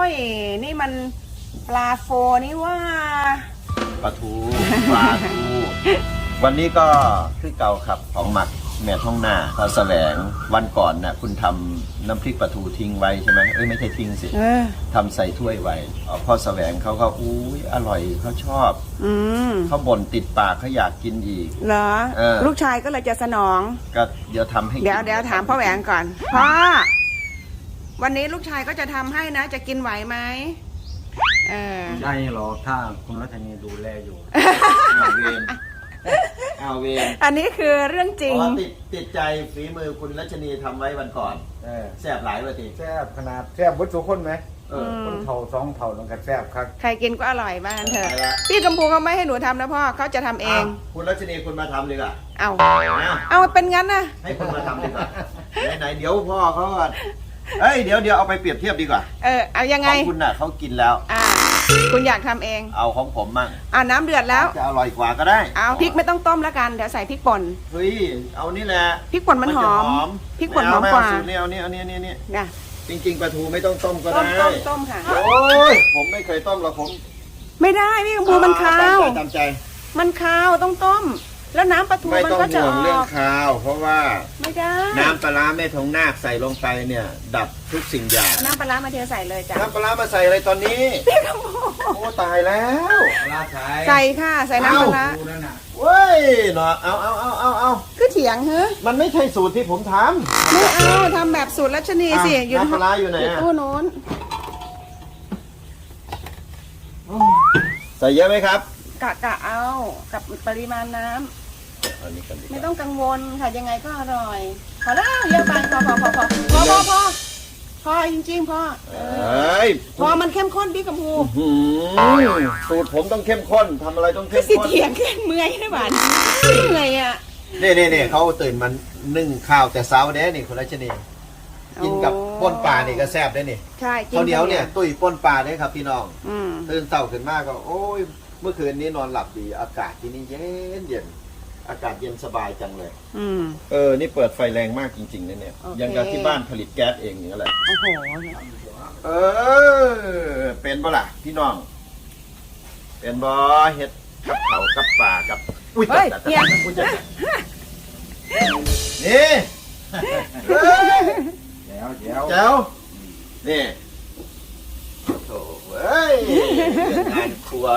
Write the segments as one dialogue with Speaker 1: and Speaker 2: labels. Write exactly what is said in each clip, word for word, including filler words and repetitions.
Speaker 1: ยนี่มันปลาโฟนี่ว่า
Speaker 2: ปลาทูปลาทูวันนี้ก็คือเก่าครับของหมักแม่ท้องหน้าพระแสวงวันก่อนน่ะคุณทำน้ำพริกปลาทูทิ้งไว้ใช่ไหมเอ้ยไม่ใช่ทิ้งสิทำใส่ถ้วยไว้พ่อแสวงเขาก็อุ้ยอร่อยเขาชอบอืเขาบ่นติดปากเขาอยากกินอีก
Speaker 1: เหรอลูกชายก็เลยจะสนอง
Speaker 2: ก็เดี๋ยวทำให้
Speaker 1: เดี๋ยวเดี๋ยวถามพ่อแหวงก่อนพ่อวันนี้ลูกชายก็จะทำให้นะจะกินไหวไหมเออ
Speaker 3: ได้หรอถ้าคุณรัชนีดูแลอยู่
Speaker 2: เอาเวรเอาเวร
Speaker 1: อันนี้คือเรื่องจริง
Speaker 2: ติดติดใจฝีมือคุณรัชนีทำไว้วันก่อนแซ่บหลายวันที
Speaker 3: แซ่บขนาดแซ่บวัตถุคนไหมคนเท่าสองเท่าลงกันแซ่บครับ
Speaker 1: ใครกินก็อร่อยบ้างเถอะพี่กำพูเขาไม่ให้หนูทำนะพ่อเขาจะทำเอง
Speaker 2: คุณรัชนีคุณมาทำดีกว่า
Speaker 1: เอาเอาเป็นงั้นนะ
Speaker 2: ให้คุณมาทำดีกว่าไหนๆเดี๋ยวพ่อเขาเอ้ยเดี๋ยวเดี๋ยวเอาไปเปรียบเทียบดีกว่า
Speaker 1: เออเอายังไง
Speaker 2: ของคุณน่ะเขากินแล้ว
Speaker 1: อ่าคุณอยากทำเอง
Speaker 2: เอาของผมมั่ง
Speaker 1: อ่าน้ำเดือดแล้ว
Speaker 2: จะอร่อยกว่าก็ได้
Speaker 1: เอาพริกไม่ต้องต้มแล้วกันเดี๋ยวใส่พริกป่น
Speaker 2: เฮ้ยเอานี่แหละ
Speaker 1: พริกป่นมันหอมพริกป่นหอมกว่า
Speaker 2: นี่เอานี่เอานี่นี่นี่
Speaker 1: นะ
Speaker 2: จริงๆปลาทูไม่ต้องต้มก็ได้
Speaker 1: ต้มต้มค่ะ
Speaker 2: โอ้ยผมไม่เคยต้มหรอกผม
Speaker 1: ไม่ได้พี่กำพูมันคาว
Speaker 2: ตามใจ
Speaker 1: มันคาวต้องต้มแล้วน้ำปลาทูมันก็จะออก
Speaker 2: ไม่ต้องห่วงเรื่องคาวเพราะว่า
Speaker 1: ไม่ได้
Speaker 2: น้ำปลาแม่ทองนาคใส่ลงไปเนี่ยดับทุกสิ่งอย่าง
Speaker 1: น้ำปลามาเทใส่เลยจ้ะ
Speaker 2: น้ำปลามาใส่อะไรตอนนี้
Speaker 1: พี่กำพู
Speaker 2: โอ้ตายแล้ว
Speaker 1: ใส่ค่ะใส่น้ำปลา
Speaker 2: เว้ยเนาะเอาเอาเอาเอาเอา
Speaker 1: คือเถียงเฮ้
Speaker 2: มันไม่ใช่สูตรที่ผมท
Speaker 1: ำไม่เอาทำแบบสูตรรัชนีสิ
Speaker 2: อยู่น้ำปลาอยู่ไหน
Speaker 1: ตู้โน้น
Speaker 2: ใส่เยอะไหมครับ
Speaker 1: กะกะเอากับปริมาณน้ำไม่ต้องกังวลค่ะยังไงก็อร่อยพอแล้วเยอะไปพอพอพอพอพอพอพอพอจริงๆพอพอมันเข้มข้นพี่กำพู
Speaker 2: สูตรผมต้องเข้มข้นทำอะไรต้องเข้มข้น
Speaker 1: สิเถียงขึ้นเมื่อยได้บ้านเมื่อยอ่ะ
Speaker 2: นี่นี่นี่เขาตื่นมันนึ่งข้าวแต่เช้าเด้นี่คุณรัชนีกินกับป้นปลานี่ก็แซ่บได้นี่
Speaker 1: ใช่
Speaker 2: ข้าวเหนียวเนี่ยตุ้ยป้นปลาเนี่ยครับพี่น้องตื่นเช้าขึ้นมากก็โอ้ยเมื่อคืนนี้นอนหลับดีอากาศที่นี่เย็นเย็นอากาศเย็นสบายจังเลยอืมเออนี่เปิดไฟแรงมากจริงๆนะเนี่ยยังกับที่บ้านผลิตแก๊สเองอย่างนั้นแหละโอ้โหเออเป็นบ่ล่ะพี่น้องเป็นบ่เฮ็ดกับเขากับป่ากับ
Speaker 1: อุ้ยเฮ้ยเฮีย
Speaker 2: นี่
Speaker 3: แจ๋วแจ๋ว
Speaker 2: แจ๋วนี่โถ่เฮ้ยงานครัว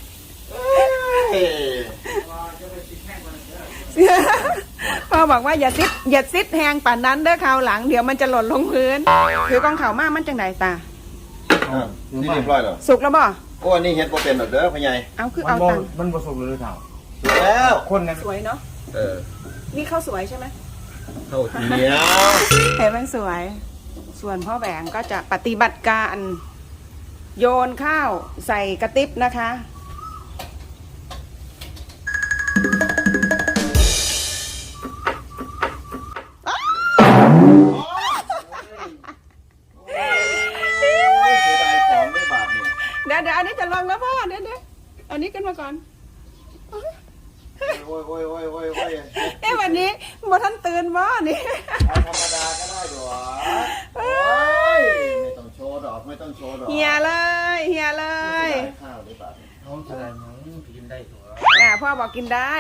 Speaker 1: พ่อบอกว่าอย่าซิดอย่าซิดแหงป่านนั้นเด้อคราวหลังเดี๋ยวมันจะหล่นลงพื้นถือกองเข่ามากมันจังไดตา
Speaker 2: นี่เรียบร้อยแล้ว
Speaker 1: สุกแล้วบ่
Speaker 2: โอ้อันนี้เฮ็ดบ่เป็นหรอกเด้อพ่อใหญ่
Speaker 1: เอาคือเอาตัง
Speaker 3: มันบ่สุกเลยเท่า
Speaker 2: สุกแล้ว
Speaker 3: คนนั้น
Speaker 1: สวยเนาะเออนี่ข้าวสวยใช่ไหม
Speaker 2: ข้าวเหนียว
Speaker 1: เห็นมันสวยส่วนพ่อแหวงก็จะปฏิบัติการโยนข้าวใส่กระติบนะคะเดี๋ยวเดี๋ยวอันนี้จะลงแล้วพ่อเดี๋ยวเดี๋ยวอันนี้กันมาก่อน
Speaker 2: โอ้ยโอ้ยโอ้ยโอ้ยโอ้ย
Speaker 1: เอ้วันนี้มาท่านตื่นบ่นี่
Speaker 2: ธรรมดาก็ได้หรอโอ้ยไม่ต้องโชว์ดอกไม่ต้องโชว์ดอก
Speaker 1: เฮียเลยเฮียเลย
Speaker 2: ข้าวได้บาท
Speaker 3: น้องแสดงยังกินได้ตัว
Speaker 1: อ่าพ่อบอกกินได้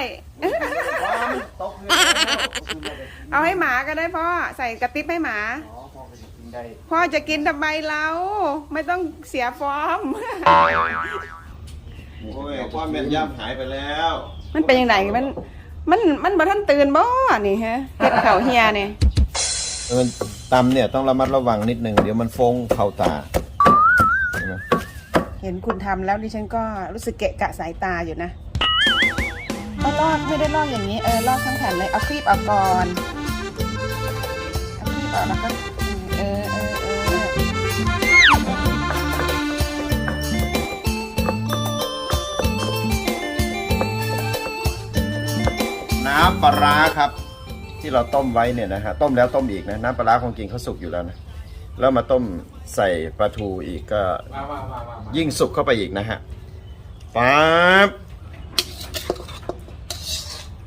Speaker 1: เอาให้หมาก็ได้พ่อใส่กระติบให้หมาพ่อจะกินทำไมเราไม่ต้องเสียฟอร์ม
Speaker 2: โอ้ยความแม่นยำหายไปแล้ว
Speaker 1: มันเป็นยังไงมันมันมันบ่ท่านตื่นบ่นี่ฮะเห็ดเข่าเฮียนี่
Speaker 2: เออตำเนี่ยต้องระมัดระวังนิดนึงเดี๋ยวมันฟงเข่าตา
Speaker 1: เห็นคุณทำแล้วดิฉันก็รู้สึกเกะกะสายตาอยู่นะเอาลอกไม่ได้ลอกอย่างนี้เออลอกทั้งแผ่นเลยเอาครีบออกก่อนเอาครีบออกแล้วก็เออเออเออ
Speaker 2: น้ำปลาครับที่เราต้มไว้เนี่ยนะฮะต้มแล้วต้มอีกนะน้ำปลาของจริงเขาสุกอยู่แล้วนะแล้วมาต้มใส่ปลาทูอีกก็ยิ่งสุกเข้าไปอีกนะฮะปั๊บ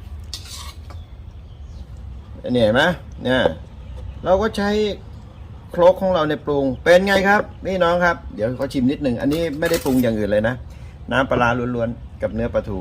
Speaker 2: เนี่ยเห็นไหมเนี่ยเราก็ใช้โครกของเราในปรุงเป็นไงครับนี่น้องครับเดี๋ยวเขาชิมนิดหนึ่งอันนี้ไม่ได้ปรุงอย่างอื่นเลยนะน้ำปลาร้าล้วนๆกับเนื้อปลาทู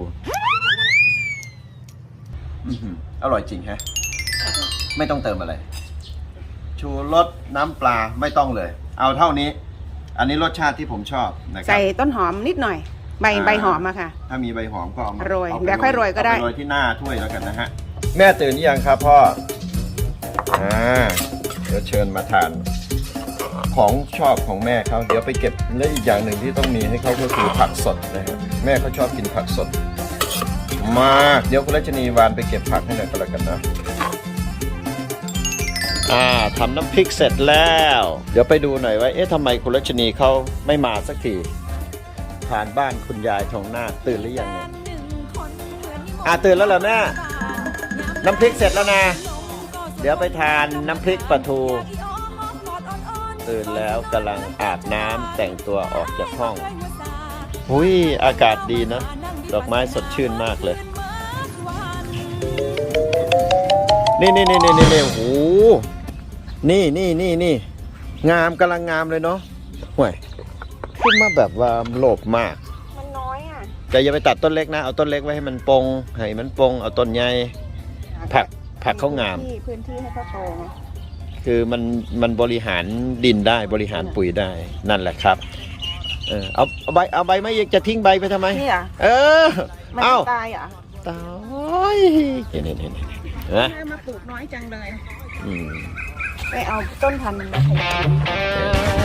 Speaker 2: อื้อหืออร่อยจริงฮะไม่ต้องเติมอะไรชูรสน้ำปลาไม่ต้องเลย เอาเท่านี้ อันนี้รสชาติที่ผมชอบนะครับ
Speaker 1: ใส่ต้นหอมนิดหน่อย ใบ
Speaker 2: อ่า
Speaker 1: ใบหอมอะค่ะ
Speaker 2: ถ้ามีใบหอมก็เอามา
Speaker 1: โรย
Speaker 2: อาไป
Speaker 1: เดี๋ยวค่อยโรยก็ได้
Speaker 2: เอาไปโรยที่หน้าถ้วยแล้วกันนะฮะแม่ตื่นหรือยังครับพ่ออ่าเดี๋ยวเชิญมาทาน ของชอบของแม่เขาเดี๋ยวไปเก็บและอีกอย่างหนึ่งที่ต้องมีให้เขาก็คือผักสดนะครับแม่เขาชอบกินผักสดมากเดี๋ยวคุณรัชนีวานไปเก็บผักให้หน่อยก็แล้วกันนะอ่าทำน้ำพริกเสร็จแล้ว เดี๋ยวไปดูหน่อยว่าเอ๊ะทำไมคุณรัชนีเขาไม่มาสักทีผ่านบ้านคุณยายทองหน้าตื่นหรือยังเนี่ยอ่าตื่นแล้วเหรอแม่น้ำพริกเสร็จแล้วนะเดี๋ยวไปทานน้ำพริกปลาทูตื่นแล้วกำลังอาบน้ำแต่งตัวออกจากห้องหุยอากาศดีนะดอกไม้สดชื่นมากเลยนี่นี่นี่นี่นี่โอ้โหนี่นี่นี่นี่งามกำลังงามเลยเนาะห่วยขึ้นมาแบบว่าโลภมาก
Speaker 1: มันน้อยอ่ะ
Speaker 2: แต่อย่าไปตัดต้นเล็กนะเอาต้นเล็กไว้ให้มันปงให้มันปงเอาต้นใหญ่ผักผักเขางาม
Speaker 1: พื้นที่ให้เขาโต
Speaker 2: คือมันมันบริหารดินได้บริหารปุ๋ยได้นั่นแหละครับเออเอาเอาใบเอาใบไม่จะทิ้งใบไปทำไม
Speaker 1: นี่อ่ะ
Speaker 2: เออ
Speaker 1: มัน
Speaker 2: เอา
Speaker 1: ตายเหรอ
Speaker 2: ตายเห็นเห็นเห็นเห็นนะ
Speaker 1: แม่มาปลูกน้อยจังเลย
Speaker 2: อืม
Speaker 1: ไปเอาต้นพันธุ์มันมาขยาย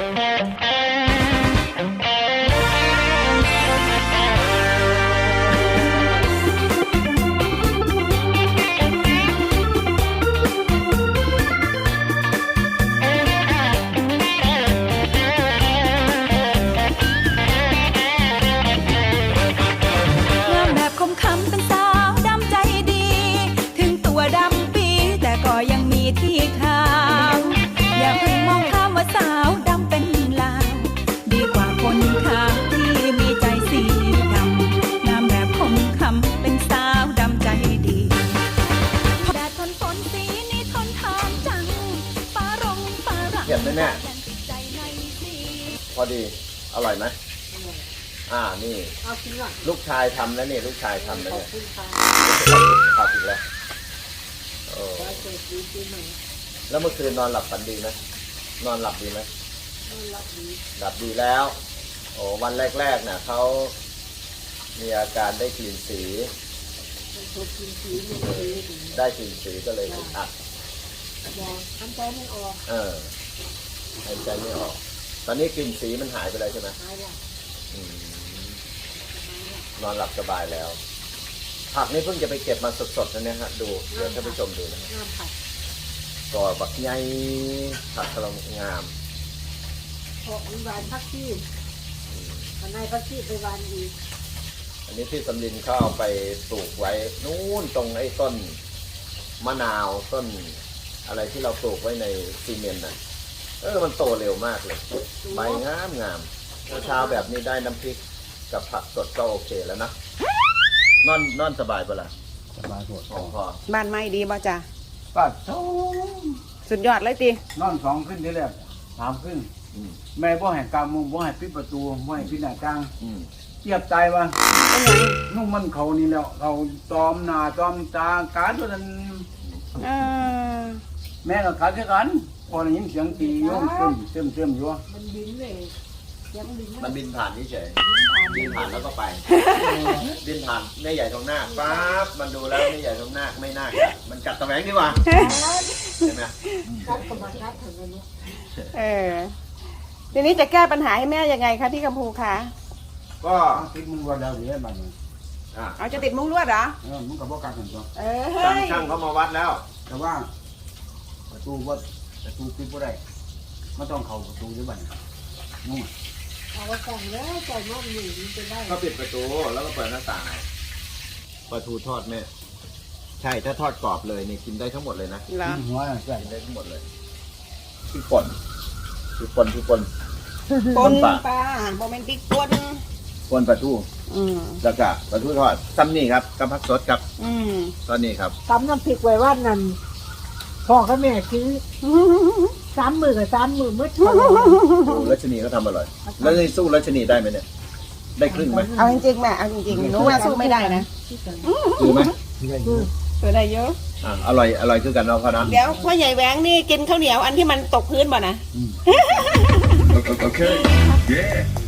Speaker 4: งามแบบคมคำเป็นสาวดำใจดี ถึงตัวดำปีแต่ก็ยังมีที่ขาว อย่าเพิ่งมองข้ามว่าสาวดำเป็นลาว ดีกว่าคนขาวที่มีใจสีดำงามแบบคมคำเป็นสาวดำใจดีแดดทนฝนสีนี้ทนทานจังฟ้ารงฟ้ารัง
Speaker 2: เห็นไหมแม่
Speaker 4: ใจในสี
Speaker 2: พอดีอร่อยไหมอ่านี่ลูกชายทำแล้วนี่ลูกชายทำแล้วเนี่ยขอบคุณแล้วโอ้แล้วเมื่อคืนนอนหลับฝันดีไหมนอนหลับดีไหมนอนหลับดีหลับดีแล้วโอ้วันแรกๆน่ะเขามีอาการได้กลิ่นสีได้กลิ่นสีก็เลยอึดอัดหายใจไม่ออกเออหายใจไม่ออกตอนนี้กลิ่นสีมันหายไปเลยใช่ไหมหายแล้วนอนหลับสบายแล้วผักนี่เพิ่งจะไปเก็บมาสดๆนะเนี่ยฮะดูเดี๋ยวท่านผู้ชมดูนะก่อบักใหญ่ผักกระลงาม
Speaker 5: พออันวานพักที่อันนายพักที่ไปวานอีก
Speaker 2: อันนี้ที่สำลินเขาเอาไปปลูกไว้นู่นตรงไอ้ต้นมะนาวต้นอะไรที่เราปลูกไว้ในซีเมนต์น่ะเออมันโตเร็วมากเลยใบงามงามเช้าแบบนี้ได้น้ำพริกกับผักสดก็โอเคแล้วนะนอนนอนสบายปะล่ะ
Speaker 3: สบายสด
Speaker 2: ของพ่อ
Speaker 1: บ้านไม้ดีบ่จ้ะ
Speaker 3: ปัดโถ
Speaker 1: สุดยอดเลยติ
Speaker 3: นอนสองขึ้นทีแรกสามขึ้น
Speaker 2: อืม
Speaker 3: แม่บ่ให้กำมุงบ่ให้ปิดประตูบ่ให้ปิดหน้าต่าง
Speaker 2: อืม
Speaker 3: เทียบใจว่า
Speaker 1: เป็นไง
Speaker 3: นุ่มมันเขานี่แล้วเขาตอมหน้าตอมตาการตัวนั้น
Speaker 1: เออ
Speaker 3: แม่ก็กัดคือกันพอได้ยินเสียงตีโยมเติมเติมเติมอยู่
Speaker 5: มันบินเลยยังบิน
Speaker 2: มันบินผ่านเฉยบินผ่านแล้วก็ไป บินผ่านแม่ใหญ่ตรงหน้าปั๊บมันดูแล้วแม่ใหญ่ตรงหน้าไม่น่ากัดมันกัดตะแหวงดีกว่าใช่ไหม
Speaker 5: คัดกับมาคัดถึงเลย
Speaker 1: เออทีนี้จะแก้ปัญหาให้แม่ยังไงคะพี่กัมพูคะ
Speaker 2: ก็
Speaker 3: ติดมึงว่าแล้วเนี่ยบัดนี้
Speaker 2: อ่ะ
Speaker 1: เอาจะติดมุ้งลวดเหรอ
Speaker 3: เออมึงก็บ่กัดกันตัว
Speaker 1: เออ
Speaker 2: ช่าง
Speaker 1: เฮ้ย
Speaker 2: ช่างเขามาวัดแล้ว
Speaker 3: แต่ว่าประตูว่าประตูปิดบ่ได้ไม่ต้องเข้าประตูอยู่บัดนี้นู่น
Speaker 5: เอาว่าแต่งแล้วแต่งว่าหนีมันจะได้
Speaker 2: ก็ปิดประตูแล้วก็เปิดหน้าต่างปลาทูทอดแม่ใช่ถ้าทอดกรอบเลยนี่กินได้ทั้งหมดเลยนะ
Speaker 1: เหรอ
Speaker 3: หัวน่ะใส่
Speaker 2: กินได้ทั้งหมดเลยพี่ป่นพี่ป่นพี่ป่น
Speaker 1: ปน
Speaker 2: ปลา
Speaker 1: ปลาโมเมนติกปน
Speaker 2: ป่นปลาทู
Speaker 1: อืม
Speaker 2: แล้วก็ปลาทูทอดซ้ำนี่ครับกับผักสดครับ
Speaker 1: อืม
Speaker 2: ตอนนี้ครับ
Speaker 5: ตำน้ำพริกไว้ว่านั่นพ่อกับแม่ซื้อ
Speaker 1: ท
Speaker 5: สามมือกับสามมือมืด
Speaker 2: โอ้รัชนีเขาทำอร่อย แล้วนี่สู้รัชนีได้ไหมเนี่ย ได้ครึ่งไหม
Speaker 1: เอาจริงๆแม่เอาจริงๆหนูว่าสู้ไม่ได้นะ
Speaker 2: คือไหม
Speaker 1: สู้ได้เยอะ
Speaker 2: อ่าอร่อยอร่อยคือกันเนาะพ่อนะ
Speaker 1: เดี๋ยวพ่อใหญ่แหวงนี่กินข้าวเหนียวอันที่มันตกพื้นบ่นะ
Speaker 2: โอเค